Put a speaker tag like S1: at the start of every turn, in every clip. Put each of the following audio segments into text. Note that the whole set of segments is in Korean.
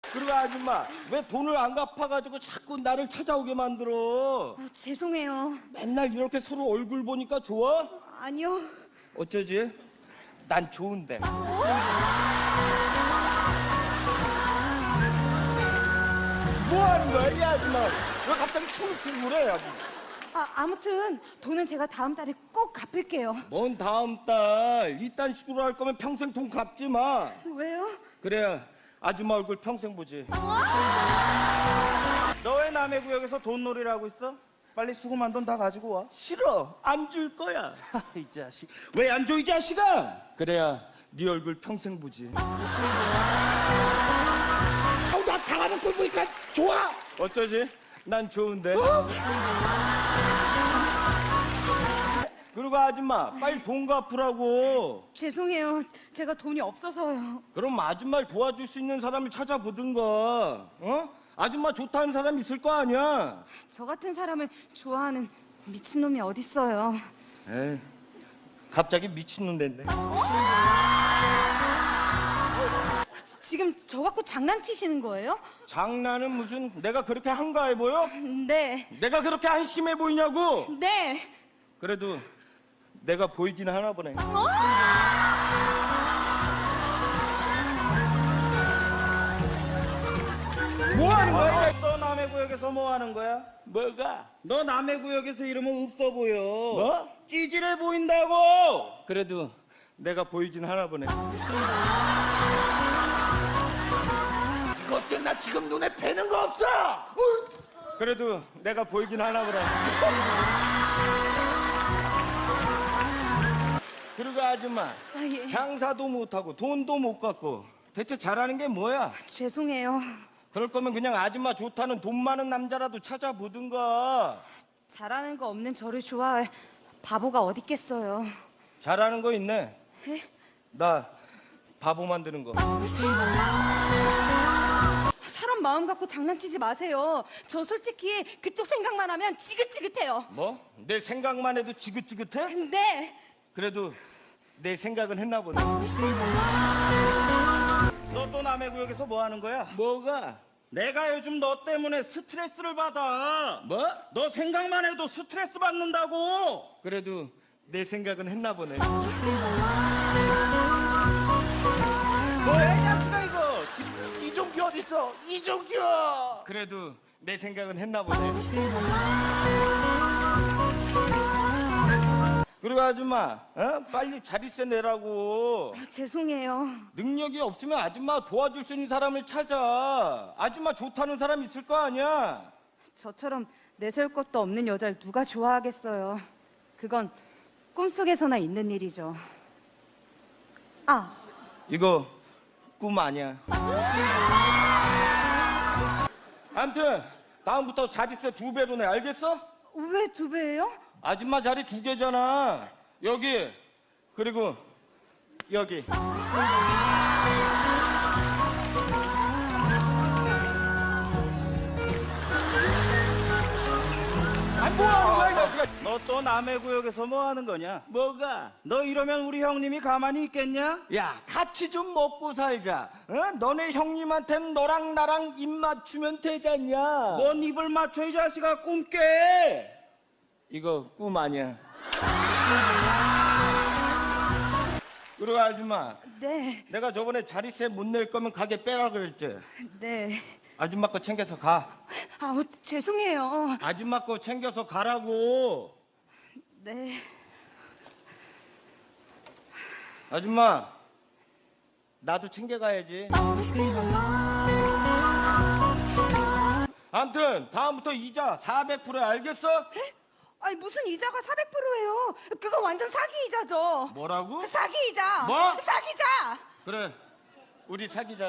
S1: 그리고 아줌마 왜 돈을 안 갚아가지고 자꾸 나를 찾아오게 만들어?
S2: 죄송해요.
S1: 맨날 이렇게 서로 얼굴 보니까 좋아?
S2: 아니요.
S1: 어쩌지? 난 좋은데. 뭐 하는 거야, 이 아줌마? 왜 갑자기 춤을 그래?
S2: 아무튼 돈은 제가 다음 달에 꼭 갚을게요.
S1: 뭔 다음 달? 이딴 식으로 할 거면 평생 돈 갚지 마.
S2: 왜요?
S1: 그래야 아줌마 얼굴 평생 보지. 너 왜 남의 구역에서 돈놀이를 하고 있어? 빨리 수고만 돈 다 가지고 와. 싫어. 안 줄 거야. 이 자식. 왜 안 줘, 이 자식아? 그래야 네 얼굴 평생 보지. 나 당하는 꼴 보니까 좋아. 어쩌지? 난 좋은데. 그리고 아줌마 빨리 돈 갚으라고.
S2: 죄송해요. 제가 돈이 없어서요.
S1: 그럼 아줌마를 도와줄 수 있는 사람을 찾아보든가. 어? 아줌마 좋다는 사람 있을 거 아니야.
S2: 저 같은 사람을 좋아하는 미친놈이 어딨어요.
S1: 에이, 갑자기 미친놈 됐네.
S2: 지금 저 갖고 장난치시는 거예요?
S1: 장난은 무슨, 내가 그렇게 한가해 보여?
S2: 네.
S1: 내가 그렇게 한심해 보이냐고?
S2: 네.
S1: 그래도 내가 보이긴 하나 보네. 뭐 하는 거야?
S3: 너 남의 구역에서 뭐 하는 거야?
S1: 뭐가?
S3: 너 남의 구역에서 이러면 없어 보여.
S1: 뭐?
S3: 찌질해 보인다고.
S1: 그래도 내가 보이긴 하나 보네.
S3: 이것들 나 지금 눈에 뵈는 거 없어.
S1: 그래도 내가 보이긴 하나 보네. 그리고 아줌마,
S2: 예.
S1: 장사도 못하고 돈도 못 갚고 대체 잘하는 게 뭐야?
S2: 죄송해요.
S1: 그럴 거면 그냥 아줌마 좋다는 돈 많은 남자라도 찾아보든가.
S2: 잘하는 거 없는 저를 좋아할 바보가 어딨겠어요.
S1: 잘하는 거 있네.
S2: 에?
S1: 나 바보 만드는 거.
S2: 사람 마음 갖고 장난치지 마세요. 저 솔직히 그쪽 생각만 하면 지긋지긋해요.
S1: 뭐? 내 생각만 해도 지긋지긋해?
S2: 네.
S1: 그래도 내 생각은 했나 보네.
S3: 너 또 남의 구역에서 뭐 하는 거야?
S1: 뭐가?
S3: 내가 요즘 너 때문에 스트레스를 받아.
S1: 뭐?
S3: 너 생각만 해도 스트레스 받는다고.
S1: 그래도 내 생각은 했나 보네.
S3: 뭐야 이 자식아 이거. 이종규 어딨어? 이종규.
S1: 그래도 내 생각은 했나 보네. 그리고 아줌마, 어? 빨리 자릿세 내라고.
S2: 죄송해요.
S1: 능력이 없으면 아줌마 도와줄 수 있는 사람을 찾아. 아줌마 좋다는 사람 있을 거 아니야.
S2: 저처럼 내세울 것도 없는 여자를 누가 좋아하겠어요. 그건 꿈속에서나 있는 일이죠.
S1: 이거 꿈 아니야. 암튼 다음부터 자릿세 2배로 내. 알겠어?
S2: 왜 2배예요?
S1: 아줌마 자리 2개잖아. 여기 그리고 여기. 아니 뭐 하는 거야 이 자식아.
S3: 너 또 남의 구역에서 뭐 하는 거냐?
S1: 뭐가?
S3: 너 이러면 우리 형님이 가만히 있겠냐?
S1: 야 같이 좀 먹고 살자. 어? 너네 형님한테는 너랑 나랑 입 맞추면 되잖냐.
S3: 뭔 입을 맞춰 이 자식아 꿈 깨.
S1: 이거 꿈 아니야. 그리고 아줌마,
S2: 네.
S1: 내가 저번에 자릿세 못 낼 거면 가게 빼라 그랬지.
S2: 네.
S1: 아줌마 거 챙겨서 가.
S2: 죄송해요.
S1: 아줌마 거 챙겨서 가라고.
S2: 네.
S1: 아줌마, 나도 챙겨가야지. 아무튼 다음부터 이자 400%야. 알겠어?
S2: 아니 무슨 이자가 400%예요? 그거 완전 사기 이자죠.
S1: 뭐라고?
S2: 사기 이자.
S1: 뭐?
S2: 사기자.
S1: 그래, 우리 사귀자.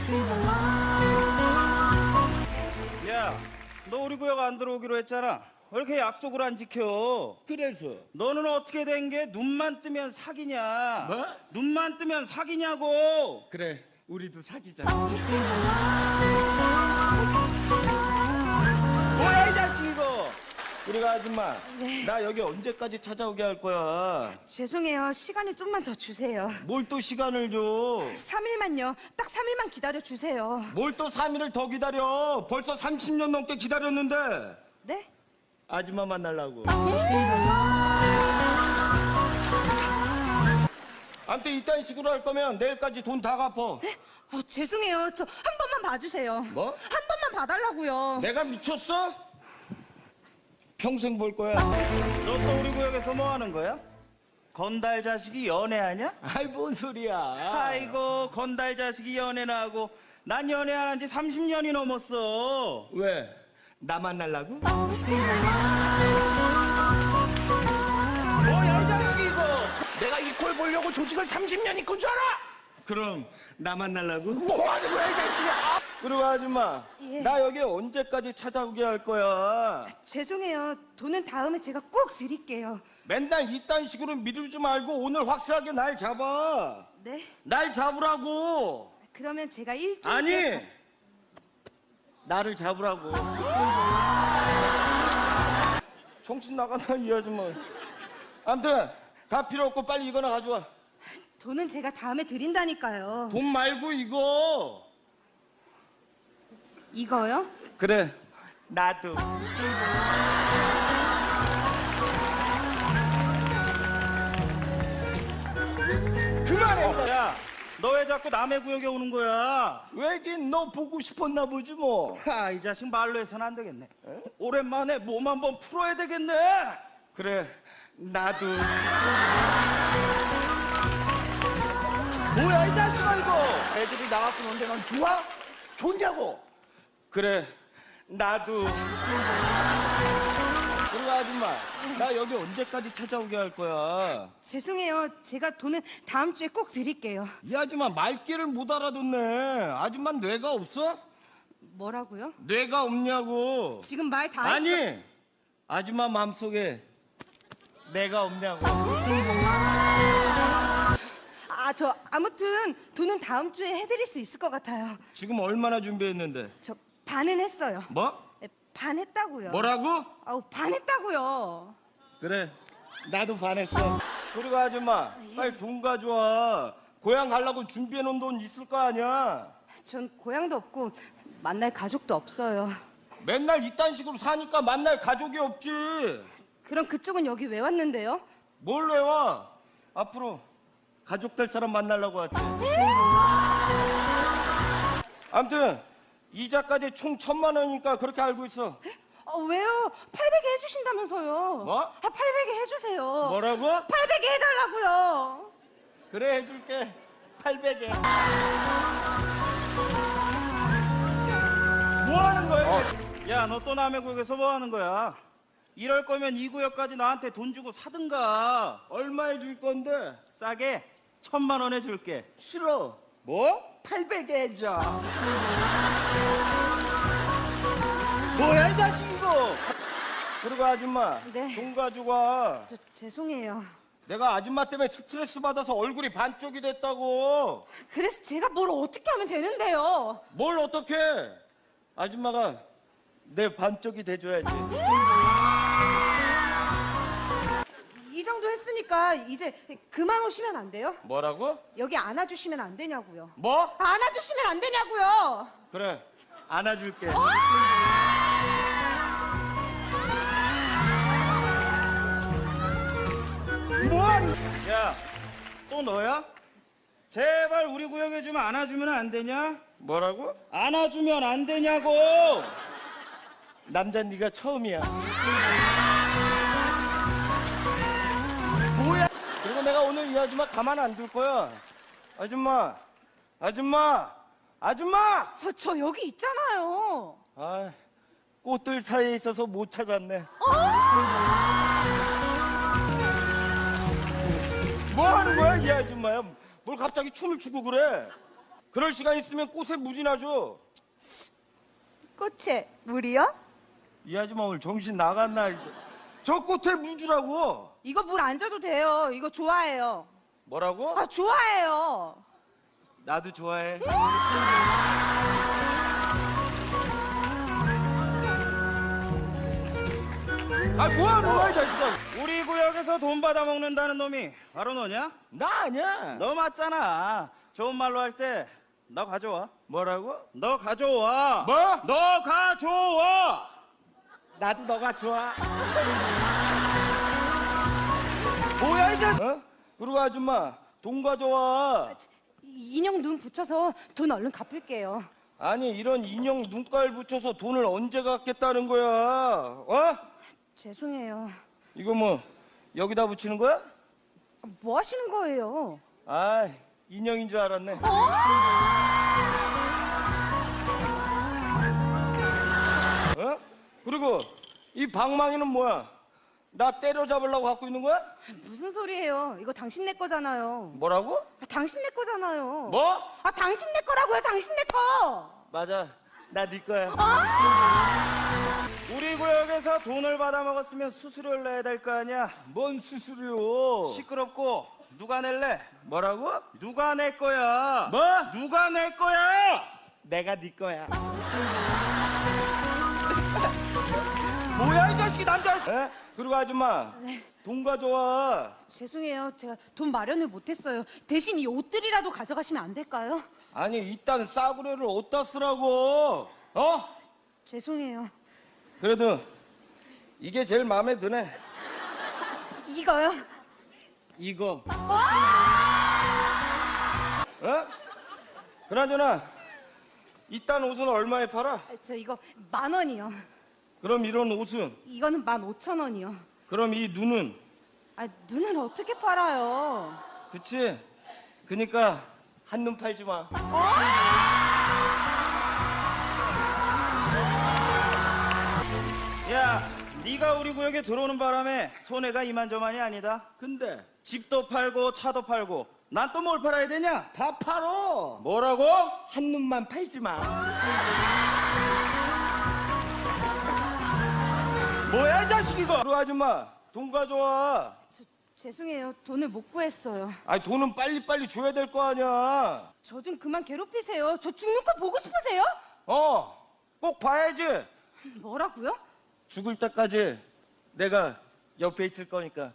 S3: 야, 너 우리 구역 안 들어오기로 했잖아. 왜 이렇게 약속을 안 지켜?
S1: 그래서
S3: 너는 어떻게 된 게 눈만 뜨면 사기냐?
S1: 뭐?
S3: 눈만 뜨면 사기냐고?
S1: 그래, 우리도 사귀자.
S3: 뭐야 이 자식 이거?
S1: 우리가 아줌마.
S2: 네.
S1: 나 여기 언제까지 찾아오게 할 거야?
S2: 죄송해요. 시간을 좀만 더 주세요.
S1: 뭘 또 시간을 줘?
S2: 3일만요. 딱 3일만 기다려 주세요.
S1: 뭘 또 3일을 더 기다려? 벌써 30년 넘게 기다렸는데.
S2: 네?
S1: 아줌마 만나려고. 아무튼 이딴 식으로 할 거면 내일까지 돈 다 갚어.
S2: 죄송해요. 저 한 번만 봐주세요.
S1: 뭐?
S2: 한 번만 봐달라고요.
S1: 내가 미쳤어? 평생 볼 거야.
S3: 너 또 우리 구역에서 뭐 하는 거야? 건달 자식이 연애하냐?
S1: 아이 뭔 소리야.
S3: 아이고 건달 자식이 연애나 하고 난 연애 안 한 지 30년이 넘었어.
S1: 왜? 나 만나려고?
S3: 뭐야 이 자식이 이거.
S4: 내가 이 꼴 보려고 조직을 30년 이끈 줄 알아?
S1: 그럼 나 만나려고?
S4: 뭐 하는 거야, 이 자식아?
S1: 그리고 아줌마,
S2: 예.
S1: 나 여기 언제까지 찾아오게 할 거야?
S2: 죄송해요. 돈은 다음에 제가 꼭 드릴게요.
S1: 맨날 이딴 식으로 미루지 말고 오늘 확실하게 날 잡아.
S2: 네?
S1: 날 잡으라고.
S2: 그러면 제가 일주일
S1: 아니, 나를 잡으라고. 정신 나간다 이 아줌마. 아무튼 다 필요 없고 빨리 이거나 가져와.
S2: 돈은 제가 다음에 드린다니까요.
S1: 돈 말고 이거.
S2: 이거요?
S1: 그래, 나도. 그만해.
S3: 야, 너 왜 자꾸 남의 구역에 오는 거야?
S1: 왜긴 너 보고 싶었나 보지 뭐.
S3: 아, 이 자식 말로 해서는 안 되겠네. 오랜만에 몸 한번 풀어야 되겠네.
S1: 그래, 나도.
S4: 뭐야, 이 자식아, 이거? 애들이 나갖고 노는데 넌 좋아? 좋냐고?
S1: 그래, 나도. 그리고 아줌마, 나 여기 언제까지 찾아오게 할 거야?
S2: 죄송해요. 제가 돈은 다음 주에 꼭 드릴게요.
S1: 이 아줌마 말귀를 못 알아듣네. 아줌마 뇌가 없어?
S2: 뭐라고요?
S1: 뇌가 없냐고.
S2: 지금 말 다 했어.
S1: 아니, 아줌마 마음속에 내가 없냐고.
S2: 저 아무튼 돈은 다음 주에 해드릴 수 있을 것 같아요.
S1: 지금 얼마나 준비했는데?
S2: 저 반은 했어요.
S1: 뭐?
S2: 네, 반 했다고요.
S1: 뭐라고?
S2: 아우 반 했다고요.
S1: 그래, 나도 반했어. 그리고 아줌마, 빨리 돈 가져와. 고향 가려고 준비해놓은 돈 있을 거 아니야?
S2: 전 고향도 없고 만날 가족도 없어요.
S1: 맨날 이딴 식으로 사니까 만날 가족이 없지.
S2: 그럼 그쪽은 여기 왜 왔는데요?
S1: 뭘 왜 와? 앞으로 가족 될 사람 만나려고 왔지. 아무튼 이자까지 총 1,000만 원이니까 그렇게 알고 있어.
S2: 왜요? 800에 해주신다면서요.
S1: 뭐?
S2: 800에 해주세요.
S1: 뭐라고?
S2: 800에 해달라고요.
S1: 그래, 해줄게. 800에. 뭐 하는 거야?
S3: 야, 너 또 남의 구역에서 뭐 하는 거야? 이럴 거면 이 구역까지 나한테 돈 주고 사든가.
S1: 얼마에 줄 건데?
S3: 싸게 1,000만 원 해줄게.
S1: 싫어.
S3: 뭐?
S1: 800에 해줘.
S3: 뭐야 이 자식 이거?
S1: 그리고 아줌마,
S2: 네.
S1: 돈 가지고 와.
S2: 저 죄송해요.
S1: 내가 아줌마 때문에 스트레스 받아서 얼굴이 반쪽이 됐다고.
S2: 그래서 제가 뭘 어떻게 하면 되는데요?
S1: 뭘 어떻게? 아줌마가 내 반쪽이 돼줘야지.
S5: 이 정도 했으니까 이제 그만 오시면 안 돼요?
S1: 뭐라고?
S5: 여기 안아주시면 안 되냐고요.
S1: 뭐?
S5: 안아주시면 안 되냐고요.
S1: 그래, 안아줄게.
S3: 뭐하니? 야, 또 너야? 제발 우리 구역에 좀 안아주면 안 되냐?
S1: 뭐라고?
S3: 안아주면 안 되냐고!
S1: 남자 네가 처음이야. 뭐야? 그리고 내가 오늘 이 아줌마 가만 안 둘 거야. 아줌마, 아줌마, 아줌마!
S2: 저 여기 있잖아요.
S1: 아, 꽃들 사이에 있어서 못 찾았네. 뭐 하는 거야, 이 아줌마야? 뭘 갑자기 춤을 추고 그래? 그럴 시간 있으면 꽃에 무진하죠.
S2: 꽃에 물이요?
S1: 이 아줌마 오늘 정신 나갔나? 저 꽃에 물 주라고.
S2: 이거 물 안 줘도 돼요. 이거 좋아해요.
S1: 뭐라고?
S2: 좋아해요.
S1: 나도 좋아해. 아 뭐하는 거야 이 자식아?
S3: 우리 구역에서 돈 받아 먹는다는 놈이 바로 너냐?
S1: 나 아니야.
S3: 너 맞잖아. 좋은 말로 할 때 너 가져와.
S1: 뭐라고?
S3: 너 가져와.
S1: 뭐?
S3: 너 가져와.
S1: 나도 너가 좋아. 뭐야 이 자식? 어? 그리고 아줌마 돈 가져와.
S2: 인형 눈 붙여서 돈 얼른 갚을게요.
S1: 아니 이런 인형 눈깔 붙여서 돈을 언제 갚겠다는 거야? 어?
S2: 죄송해요.
S1: 이거 뭐 여기다 붙이는 거야?
S2: 뭐 하시는 거예요?
S1: 아 인형인 줄 알았네. 어? 그리고 이 방망이는 뭐야? 나 때려잡으려고 갖고 있는 거야?
S2: 무슨 소리예요? 이거 당신네 거잖아요.
S1: 뭐라고?
S2: 당신네 거잖아요.
S1: 뭐?
S2: 당신네 거라고요, 당신네 거!
S1: 맞아. 나 네 거야.
S3: 우리 구역에서 돈을 받아 먹었으면 수수료를 내야 될 거 아니야.
S1: 뭔 수수료?
S3: 시끄럽고 누가 낼래?
S1: 뭐라고?
S3: 누가 낼 거야?
S1: 뭐?
S3: 누가 낼 거야?
S1: 내가 네 거야. 뭐야 이 자식이 남자. 에? 그리고 아줌마 돈 가져와.
S2: 죄송해요. 제가 돈 마련을 못했어요. 대신 이 옷들이라도 가져가시면 안 될까요?
S1: 아니 이딴 싸구려를 어디다 쓰라고? 어?
S2: 죄송해요.
S1: 그래도 이게 제일 마음에 드네.
S2: 이거요?
S1: 이거. 어? 그나저나 이딴 옷은 얼마에 팔아?
S2: 저 이거 10,000원이요.
S1: 그럼 이런 옷은?
S2: 이거는 15,000원이요.
S1: 그럼 이 눈은?
S2: 눈을 어떻게 팔아요?
S1: 그치? 그니까 한눈 팔지 마.
S3: 야, 네가 우리 구역에 들어오는 바람에 손해가 이만저만이 아니다.
S1: 근데
S3: 집도 팔고 차도 팔고 난 또 뭘 팔아야 되냐?
S1: 다 팔어.
S3: 뭐라고?
S1: 한눈만 팔지 마.
S3: 뭐야 이 자식 이거?
S1: 그리고 아줌마 돈 가져와.
S2: 죄송해요. 돈을 못 구했어요.
S1: 아니 돈은 빨리빨리 줘야 될 거 아니야.
S2: 저 좀 그만 괴롭히세요. 저 죽는 거 보고 싶으세요?
S1: 꼭 봐야지.
S2: 뭐라고요?
S1: 죽을 때까지 내가 옆에 있을 거니까.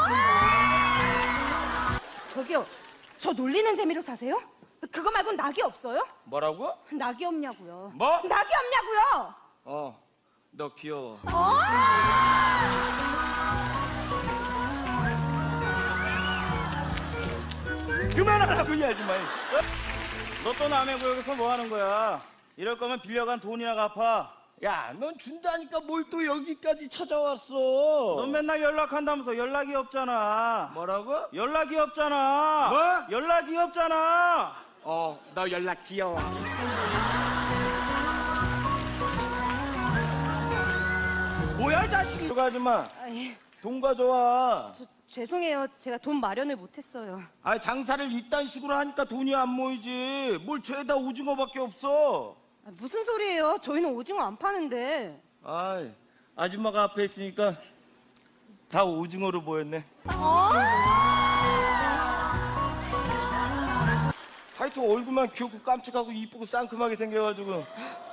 S2: 저기요. 저 놀리는 재미로 사세요? 그거 말고 낙이 없어요?
S1: 뭐라고?
S2: 낙이 없냐고요.
S1: 뭐?
S2: 낙이 없냐고요.
S1: 너 귀여워.
S3: 그만하라고 이 아줌마. 너 또 남의 구역에서 뭐 하는 거야? 이럴 거면 빌려간 돈이나 갚아.
S1: 야, 넌 준다니까 뭘 또 여기까지 찾아왔어?
S3: 넌 맨날 연락한다면서 연락이 없잖아.
S1: 뭐라고?
S3: 연락이 없잖아.
S1: 뭐?
S3: 연락이 없잖아.
S1: 너 연락 귀여워. 뭐야, 이 자식이. 그 아줌마,
S2: 예.
S1: 돈 가져와.
S2: 죄송해요. 제가 돈 마련을 못했어요.
S1: 장사를 이딴 식으로 하니까 돈이 안 모이지. 뭘 죄다 오징어밖에 없어.
S2: 무슨 소리예요? 저희는 오징어 안 파는데.
S1: 아줌마가 앞에 있으니까 다 오징어로 보였네. 하여튼 얼굴만 귀엽고 깜찍하고 이쁘고 상큼하게 생겨가지고.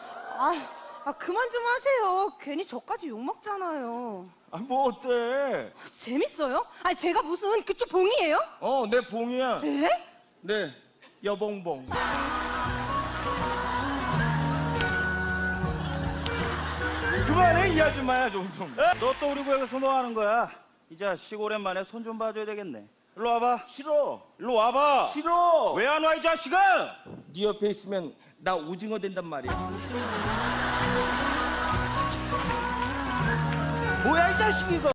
S2: 그만 좀 하세요. 괜히 저까지 욕 먹잖아요.
S1: 뭐 어때?
S2: 재밌어요? 제가 무슨 그쪽 봉이에요?
S1: 내 봉이야.
S2: 에?
S1: 네, 여봉봉.
S3: 그만해 이 아줌마야 좀. 너 또 우리 구역에서 뭐 하는 거야? 이 자식 오랜만에 손 좀 봐줘야 되겠네. 일로 와봐.
S1: 싫어.
S3: 일로 와봐.
S1: 싫어.
S3: 왜 안 와 이 자식아?
S1: 네 옆에 있으면 나 오징어 된단 말이야. 뭐야 이 자식 이거.